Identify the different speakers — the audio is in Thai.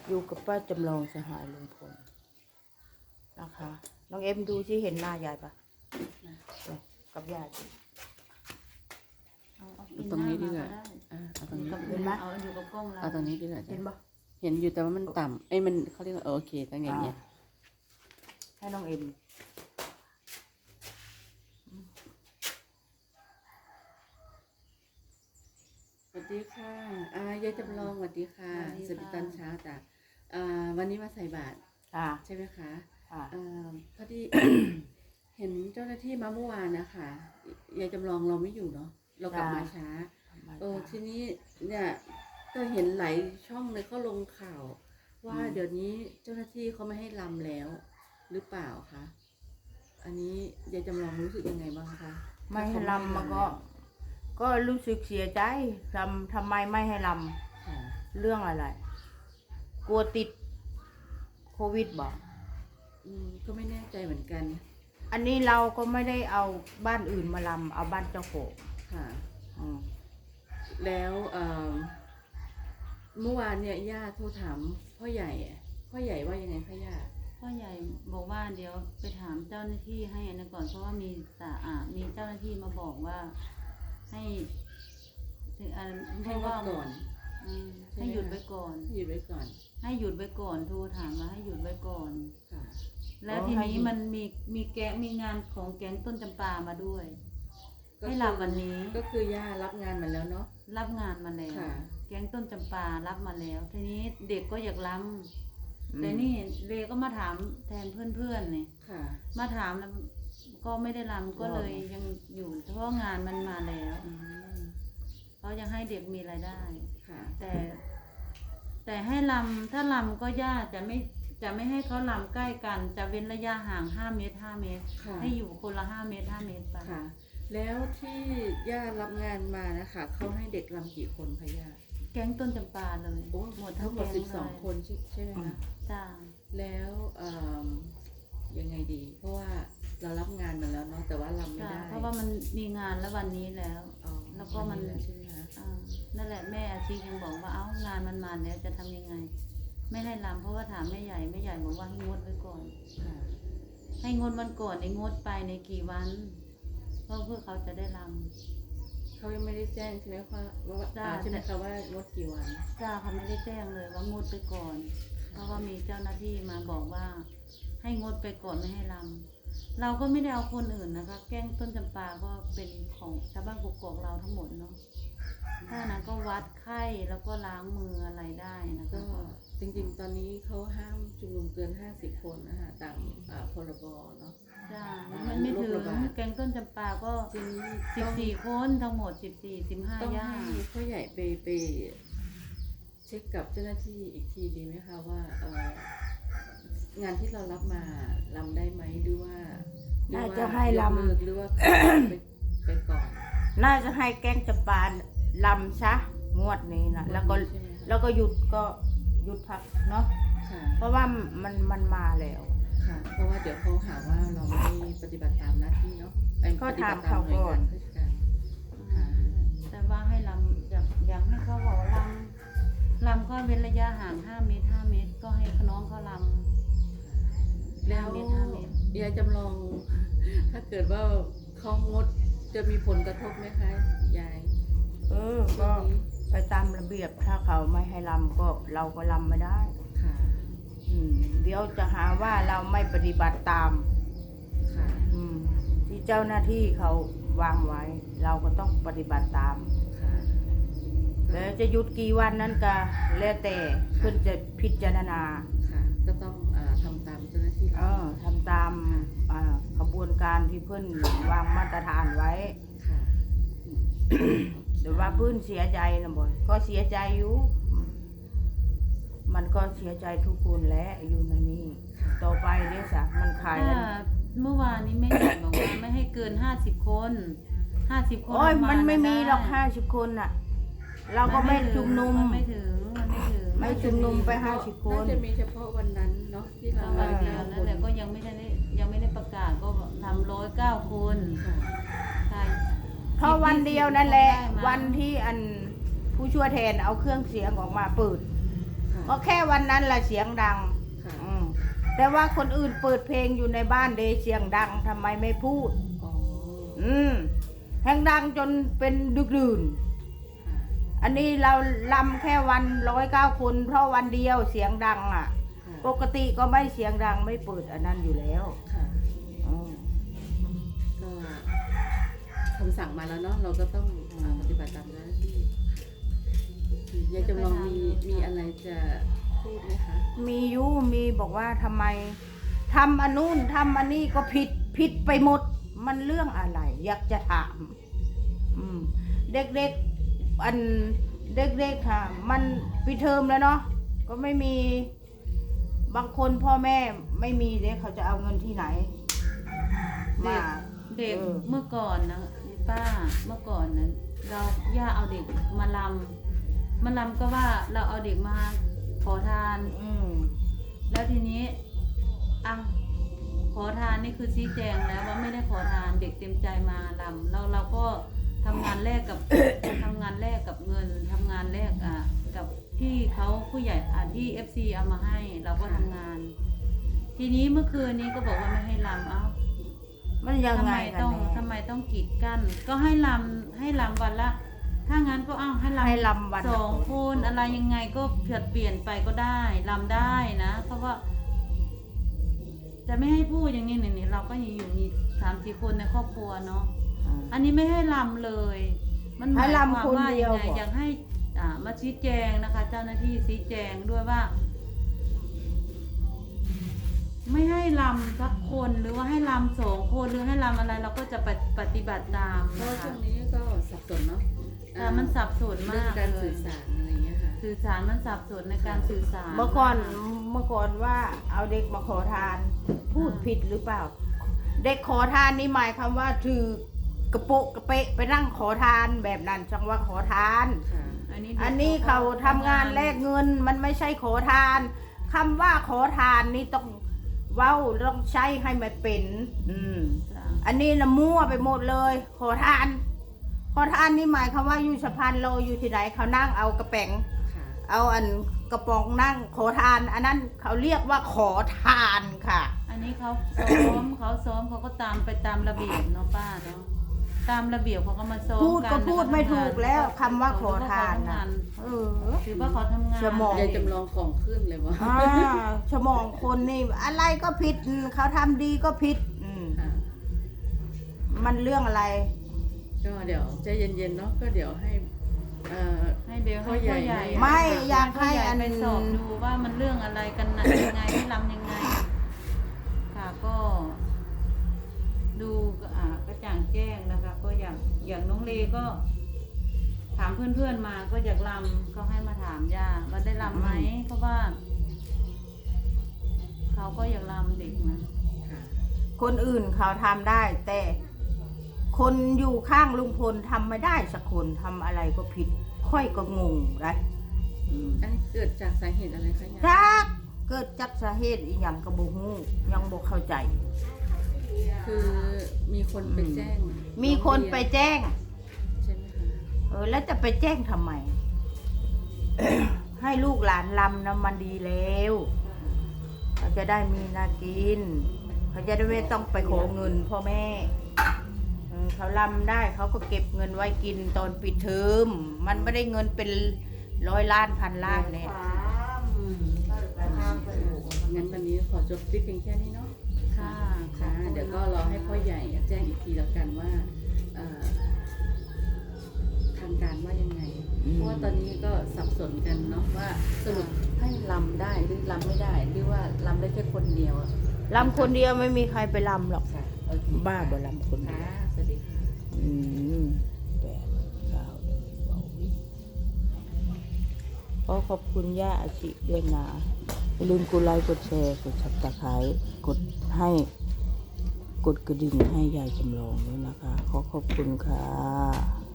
Speaker 1: อยู่กับป้าจำลองสหายลุงพลนะคะน้องเอ็มดูที่เห็นหน้ายายปะเนี่ยกับยาย
Speaker 2: เอาตรงนี้ดีกว่าเอาตรงนี้
Speaker 1: เห็นไหม
Speaker 3: เอาอยู่กับกล้องเรา
Speaker 2: เอาตรงนี้ดีกว่า
Speaker 1: เห็นปะ
Speaker 2: เห็นอยู่แต่ว่ามันต่ำมันเขาเรียกว่าโอเคตั้งอย่างเงี้ย
Speaker 1: ให้น้องเอ็ม
Speaker 2: สวัสดีค่ะยายจำลองสวัสดีค่ะสวัสดีตอนเช้าจ้ะวันนี้มาใส่บาตร
Speaker 1: ค่ะ
Speaker 2: ใช่ไหมคะ
Speaker 1: ค่ะ
Speaker 2: พอดี เห็นเจ้าหน้าที่มาเมื่อวานนะคะยายจำลองเราไม่อยู่เนาะเรากลับมาช้าทีนี้เนี่ยก็เห็นหลายช่องเลยเขาลงข่าว ว่าเดี๋ยวนี้เจ้าหน้าที่เขาไม่ให้รำแล้ว หรือเปล่าคะอันนี้ยายจำลองรู้สึกยังไงบ้างคะ
Speaker 1: ไม่ให้ลำมันก็รู้สึกเสียใจทำไมไม่ให้ล
Speaker 2: ค่ะ
Speaker 1: ำเรื่องอะไร กลัวติดโควิดบอก
Speaker 2: ก็ไม่แน่ใจเหมือนกัน
Speaker 1: อันนี้เราก็ไม่ได้เอาบ้านอื่นมาลำเอาบ้านเจ้าของ
Speaker 2: ค่ะ
Speaker 1: อืม
Speaker 2: แล้วเมื่อวานเนี่ยย่าโทรถามพ่อใหญ่ว่ายังไงคะย่า
Speaker 3: พ่อใหญ่บอกว่าเดี๋ยวไปถามเจ้าหน้าที่ให้อันนั้นก่อนเพราะว่ามีเจ้าหน้าที่มาบอกว่าให้ถึง
Speaker 2: ให้งดก่อน
Speaker 3: ให้หยุดไว้ก่อน
Speaker 2: หยุดไว้ก่อน
Speaker 3: ให้หยุดไว้ก่อนโทรถามมาให้หยุดไว้ก่อน
Speaker 2: ค่ะ
Speaker 3: แล้วทีนี้มันมีงานของแก๊งต้นจำปามาด้วย ให้รับวันนี้
Speaker 2: ก็คือย่ารับงานมาแล้วเนาะ
Speaker 3: รับงานมาแล้ว
Speaker 2: ค่ะ
Speaker 3: แก๊งต้นจำปารับมาแล้ว ทีนี้เด็กก็อยากรำแต่นี่เรก็มาถามแทนเพื่อนๆเนี่ย
Speaker 2: ค่ะ
Speaker 3: มาถามแล้วก็ไม่ได้รำก็เลยยังอยู่เพราะงานมันมาแล้วเขายังให้เด็กมีรายได้
Speaker 2: ค่ะ
Speaker 3: แต่ให้รำถ้ารำก็ยากจะไม่ให้เขารำใกล้กัน จะเว้นระยะห่าง5 เมตร 5 เมตร
Speaker 2: ค่ะ
Speaker 3: ให้อยู่คนละ5 เมตร 5 เมตรไป
Speaker 2: ค่ะ แล้วที่ย่ารับงานมานะคะเขาให้เด็กรำกี่คนคะย่า
Speaker 3: แก๊งต้นจำปาเลย
Speaker 2: โอ้ทั้งหมด
Speaker 3: แก๊เลย
Speaker 2: 12 คนใช่ไหมคะ
Speaker 3: จ้า
Speaker 2: แล้วยังไงดี เพราะว่าเรารับงานมาแล้วเนาะแต่ว่ารำไม่
Speaker 3: จ้า
Speaker 2: ได้
Speaker 3: เพราะว่ามันมีงานแล้ววันนี้แล้ว
Speaker 2: อ๋อ
Speaker 3: แล้วก็มัน
Speaker 2: ใช่ไหมคะ
Speaker 3: นั่นแหละแม่อาชียังบอกว่าเอ้างานมันมาแล้วจะทำยังไง ไม่ให้รำเพราะว่าถามแม่ใหญ่บอกว่าให้งดไว้ก่อน
Speaker 2: ค่ะ
Speaker 3: ให้งดวันก่อนในงดไปในกี่วันเพราะเพื่อเขาจะได้ร
Speaker 2: เขายังไม่ได้แจ้งใช่ไหมว่า
Speaker 3: จ้ะ
Speaker 2: ใช่ไหมคะว่างดกี่วัน
Speaker 3: ำจ้าเขาไม่ได้แจ้งเลยว่างดไปก่อน เพราะว่ามีเจ้าหน้าที่มาบอกว่า ให้งดไปก่อนไม่ให้รำเราก็ไม่ได้เอาคนอื่นนะคะ แก้งต้นจำปาก็เป็นของชาวบ้านกกอกเราทั้งหมดเนาะถ้านั้นก็วัดไข้แล้วก็ล้างมืออะไรได้นะ
Speaker 2: ก็
Speaker 3: คะ
Speaker 2: จริงๆ ตอนนี้เขาห้ามชุมนุมเกิน 50 คนนะคะตามพรบเนาะ
Speaker 3: จ้ามันไม่ถึง
Speaker 2: โรคระบาด
Speaker 3: แกงต้นจำปาก็
Speaker 2: ทีนี้ต้อง
Speaker 3: 14 คนทั้งหมด14
Speaker 2: ต้อง
Speaker 3: 15ย่า
Speaker 2: ให้พ่อใหญ่ไปเช็คกับเจ้าหน้าที่อีกทีดีไหมคะว่างานที่เรารับมารำได้ไหมหรือว่า
Speaker 1: น่าจะให้รำ
Speaker 2: ยกเลิกหรือว่าไปก่อน
Speaker 1: น่าจะให้แก๊งจำปาลำซะงวดนี้นะแล้วก็
Speaker 2: ใช่ไหมคะ
Speaker 1: แล้วก็หยุดพักเนาะ
Speaker 2: ค่ะ
Speaker 1: เพราะว่ามันมาแล้ว
Speaker 2: ค่ะ เพราะว่าเดี๋ยวเขาหาว่าเราไม่ปฏิบัติตามหน้าที่เนาะ
Speaker 1: ก็
Speaker 2: ปฏิบัติ
Speaker 1: ถามเขาก่อน
Speaker 2: ราชการค่ะ
Speaker 3: แต่ว่าให้ลำอยากให้เขาบอกว่าลำก็เว้นระยะห่าง5 เมตร 5 เมตร ก็ให้น้องเขาลำ
Speaker 2: แล้ว
Speaker 3: 5 เมตร 5 เมตร
Speaker 2: ยายจำลอง ถ้าเกิดว่าเขางดจะมีผลกระทบไหมคะยาย
Speaker 1: ก็ไปตามระเบียบถ้าเขาไม่ให้ลำก็เราก็ลำไม่ได้
Speaker 2: ค่ะ
Speaker 1: เดี๋ยวจะหาว่าเราไม่ปฏิบัติตาม
Speaker 2: ค่ะ
Speaker 1: ที่เจ้าหน้าที่เขาวางไว้ เราก็ต้องปฏิบัติตาม
Speaker 2: ค่ะ
Speaker 1: แล้วจะหยุดกี่วันนั้นก็แล้วแต่เพื่อนจะพิจารณา
Speaker 2: ค่ะ ก็ต้องทำตามเจ้าหน้าที่
Speaker 1: ทำตามกระบวนการที่เพื่อนวางมาตรฐานไว้
Speaker 2: ค่ะ
Speaker 1: แต่ว่าเพื่อนเสียใจนะบ่อยก็เสียใจอยู่ มันก็เสียใจทุกคนแหละอยู่ในนี้ ต่อไปเดี๋ยวสักมันขาย
Speaker 3: ถ้า
Speaker 1: กัน
Speaker 3: เมื่อวานนี้แม่ใหญ่บอกว่าไม่ให้เกิน50 คน50 คน
Speaker 1: โอ้ยมันไม่มีหรอก
Speaker 3: ด้
Speaker 1: 50 คนน่ะ เราก็ไม่ชุมนุม
Speaker 3: มันไม่ถึง
Speaker 1: ไม่ชุมนุมไป50 คน
Speaker 2: น่าจะมีเฉพาะวันนั้นเนาะที่เรา
Speaker 3: วันเดียวนั่นแหละก็ยังไม่ได้ประกาศก็ทำ109 คน
Speaker 2: ค่ะ
Speaker 3: ใช่
Speaker 1: เพราะวันเดียวนั่นแหละ
Speaker 3: ได้มา
Speaker 1: วันที่ผู้ช่วยแทนเอาเครื่องเสียงออกมาเปิด
Speaker 2: ค่ะ
Speaker 1: ก็แค่วันนั้นแหละเสียงดัง
Speaker 2: ค่ะ
Speaker 1: แต่ว่าคนอื่นเปิดเพลงอยู่ในบ้านเดเสียงดังทำไมไม่พูด
Speaker 2: อ๋อ
Speaker 1: แห้งดังจนเป็นดึกดื่น
Speaker 2: ค่ะ
Speaker 1: อันนี้เราลำแค่วัน109 คนเพราะวันเดียวเสียงดังอ่ะ
Speaker 2: ค่ะ
Speaker 1: ปกติก็ไม่เสียงดังไม่เปิดอันนั้นอยู่แล้ว
Speaker 2: ค่ะ
Speaker 1: อืม
Speaker 2: ก็คำสั่งมาแล้วเนาะเราก็ต้องปฏิบัติตามหน้าที่ยายจำลองมีอะไรจะพูดไหมคะ
Speaker 1: มีบอกว่าทำไมทำอันนู้นทำอันนี้ก็ผิดไปหมด มันเรื่องอะไร อยากจะถาม เด็กๆอันเด็กๆค่ะ มันปิดเทอมแล้วเนาะก็ไม่มีบางคนพ่อแม่ไม่มีเด็กเขาจะเอาเงินที่ไหนมา
Speaker 3: เด็ก
Speaker 1: เออ
Speaker 3: เมื่อก่อนนะป้าเมื่อก่อนนั้นเราย่าเอาเด็กมาลำก็ว่าเราเอาเด็กมาขอทาน แล้วทีนี้อ่ะขอทานนี่คือชี้แจงแล้วว่าไม่ได้ขอทานเด็กเต็มใจมาลำเราก็ทำงานแลกกับ ทำงานแลกกับเงินทำงานแลกกับที่เขาผู้ใหญ่ที่ FC เอามาให้ เราก็ทำงาน ทีนี้เมื่อคืนนี้ก็บอกว่าไม่ให้ลำเอ้า
Speaker 1: มันยัง
Speaker 3: ทำ
Speaker 1: ไง
Speaker 3: ไม
Speaker 1: กัน
Speaker 3: ต้อง
Speaker 1: แน่
Speaker 3: ทำไมต้องกีดกั้นก็ให้ลำวันละ ถ้างั้นก็ให้ลำ
Speaker 1: ให้ลำวันละ
Speaker 3: 2 คนอะไรยังไงก็เปลี่ยนไปก็ได้ลำได้นะเพราะว่า จะไม่ให้พูดอย่างนี้เนี่ยเราก็อยู่มี3-4 คนในครอบครัวเนาะอันนี้ไม่ให้ลำเลย มันหมายความว่ายังไงอยากให้มาชี้แจงนะคะ เจ้าหน้าที่ชี้แจงด้วยว่า ไม่ให้ลำสักคนหรือว่าให้ลำ2 คนหรือให้ลำอะไร เราก็จะปฏิบัติตาม
Speaker 2: เพราะ
Speaker 3: นะ
Speaker 2: ช่ว
Speaker 3: คะ
Speaker 2: งนี้ก็สับสนเนาะ
Speaker 3: มันสับสน
Speaker 2: เรื่อ
Speaker 3: มาง ก
Speaker 2: การ
Speaker 3: เล
Speaker 2: สื่
Speaker 3: ย
Speaker 2: อสารอะไรอย่างเงี้ยค่ะ
Speaker 3: สื่อสารมันสับสนในการสื่อสาร
Speaker 1: เมื่อก่อนว่าเอาเด็กมาขอทาน พูดผิดหรือเปล่า เด็กขอทานนี่หมายความว่าถือกระโปะกระเปะไปนั่งขอทานแบบนั้นจังว่าขอทาน
Speaker 2: ค่ะ
Speaker 1: อันนี้เขาทำงานแลกเงินมันไม่ใช่ขอทานคำว่าขอทานนี่ต้องเว้าต้องใช้ให้มันเป็น
Speaker 3: จ้ะ
Speaker 1: อันนี้นะมั่วไปหมดเลย ขอทาน ขอทานนี่หมายความว่าอยู่สะพานโลอยู่ที่ไหนเขานั่งเอากระแป๋ง
Speaker 2: ค่ะ
Speaker 1: เอาอันกระป๋องนั่งขอทาน อันนั้นเขาเรียกว่าขอทานค่ะ
Speaker 3: อันนี้เขาซ้อมเขาก็ตามไปตามระเบียบเนาะป้าเนาะตามระเบียบเขาก็มาซ้อม
Speaker 1: พูด
Speaker 3: กัน
Speaker 1: ก็พูดไม่ถูกแล้วคำว่าขอทาน
Speaker 3: นะ
Speaker 1: นะเออ
Speaker 3: ถือว่าเขาทำงาน
Speaker 1: สมอง
Speaker 2: ยายจำลองของขึ้นเลยวะ
Speaker 1: สมองคนนี่อะไรก็ผิดเขาทำดีก็ผิด
Speaker 2: ค่ะ
Speaker 1: มันเรื่องอะไร
Speaker 2: ก็เดี๋ยวใจเย็นๆเนาะก็เดี๋ยวให้
Speaker 3: ให้เดี๋ยวให้พ่อใหญ่
Speaker 1: ไม่อยากให้
Speaker 3: พ่
Speaker 1: อัน
Speaker 3: ไปสอบดูว่ามันเรื่องอะไรกันนะยังไงให้ลำยังไง ค่ะก็ดูกระจ่างแจ้งนะคะ ก็อย่างน้องเลก็ ถามเพื่อนๆมาก็อยากลำก็ให้มาถามย่าว่าได้ลำไหมเพราะว่า เขาก็อยากลำเด็กนะ
Speaker 2: ค่ะ
Speaker 1: คนอื่นเขาทำได้ แต่คนอยู่ข้างลุงพลทำไม่ได้สักคนทำอะไรก็ผิด ค่อยก็งงนะ
Speaker 2: อันนี้เกิดจากสาเหตุอะไรคะยาย
Speaker 1: จักเกิดจากสาเหตุอีหยังกระบุฮู้ยังบ่เข้าใจ
Speaker 2: คือมีคนไปแจ้ง
Speaker 1: มีคนไปแจ้ง
Speaker 2: ใช่ไหมคะ
Speaker 1: แล้วจะไปแจ้งทำไม ให้ลูกหลานลำนะมันดีแล้วเขาจะได้มีนากิน เขาจะได้ไม่ต้องไปขอเงินพ่อแม่เขาลำได้เขาก็เก็บเงินไว้กินตอนปิดเทอมมันไม่ได้เงินเป็น100 ล้านพันล้านเนี่ย
Speaker 2: งั้นวันนี้ขอจบคลิปเพียงแค่นี้เนาะ
Speaker 3: ค่ะ
Speaker 2: ค่ะ เดี๋ยวก็รอให้พ่อใหญ่แจ้งอีกทีแล้วกันว่าทางการว่ายังไง เพราะว่าตอนนี้ก็สับสนกันเนาะว่าสรุปให้ลำได้หรือลำไม่ได้หรือว่าลำได้แค่คนเดียวอะ
Speaker 1: ลำคนเดียวไม่มีใครไปลำหรอก
Speaker 2: ค่ะโอเค
Speaker 1: บ้าบ่ลำคนเดียว
Speaker 2: ค่ะสวัสดีค่ะ
Speaker 1: ขอขอบคุณย่าอาชิด้วยนะอย่าลืมกดไลค์กดแชร์กดซับสไครต์กดกระดิ่งให้ยายจำลองด้วยนะคะ ขอขอบคุณค่ะ